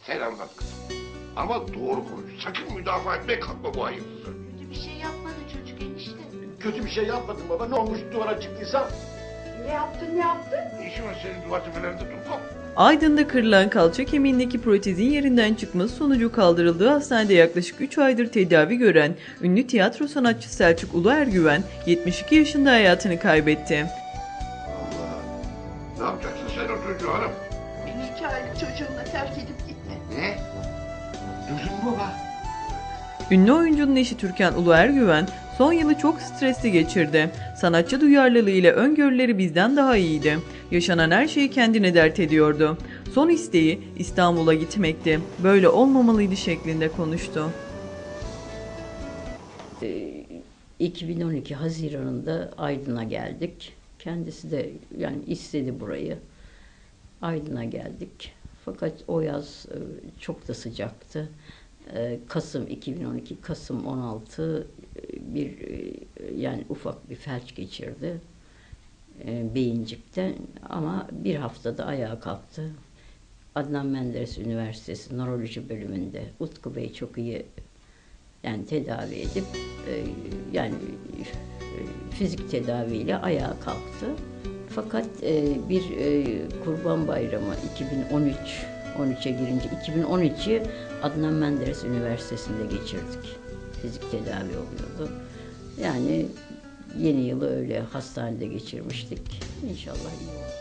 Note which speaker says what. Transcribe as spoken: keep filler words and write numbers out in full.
Speaker 1: Sen anlat kızım. Ama doğru konuş. Sakın müdafaa etmeye kalkma bu hayırsızı.
Speaker 2: Kötü bir şey yapmadı çocuk enişte.
Speaker 3: Kötü bir şey yapmadım baba. Ne olmuş duvara çıktıysam?
Speaker 4: Ne yaptın ne yaptın?
Speaker 1: Ne işin var senin duvar tepelerinde Dumkop?
Speaker 5: Aydın'da kırılan kalça kemiğindeki protezin yerinden çıkması sonucu kaldırıldığı hastanede yaklaşık üç aydır tedavi gören ünlü tiyatro sanatçısı Selçuk Uluergüven yetmiş iki yaşında hayatını kaybetti.
Speaker 1: Allah. Ne yapacaksın sen o çocuğu hanım?
Speaker 4: Beni iki aylık çocuğumla terk edip gitti.
Speaker 1: Ne? Duydun mu baba?
Speaker 5: Ünlü oyuncunun eşi Türkan Uluergüven son yılı çok stresli geçirdi. Sanatçı duyarlılığı ile öngörüleri bizden daha iyiydi. Yaşanan her şeyi kendine dert ediyordu. Son isteği İstanbul'a gitmekti. Böyle olmamalıydı şeklinde konuştu.
Speaker 6: iki bin on iki Haziran'ında Aydın'a geldik. Kendisi de yani istedi burayı. Aydın'a geldik. Fakat o yaz e, çok da sıcaktı. E, Kasım iki bin on iki, Kasım on altı e, bir e, yani ufak bir felç geçirdi e, beyincikte ama bir haftada ayağa kalktı. Adnan Menderes Üniversitesi Nöroloji bölümünde Utku Bey çok iyi yani tedavi edip e, yani e, fizik tedaviyle ayağa kalktı. Fakat e, bir e, Kurban Bayramı iki bin on üç on üçe girince iki bin on üçü Adnan Menderes Üniversitesi'nde geçirdik. Fizik tedavi oluyordu. Yani yeni yılı öyle hastanede geçirmiştik. İnşallah iyi olur.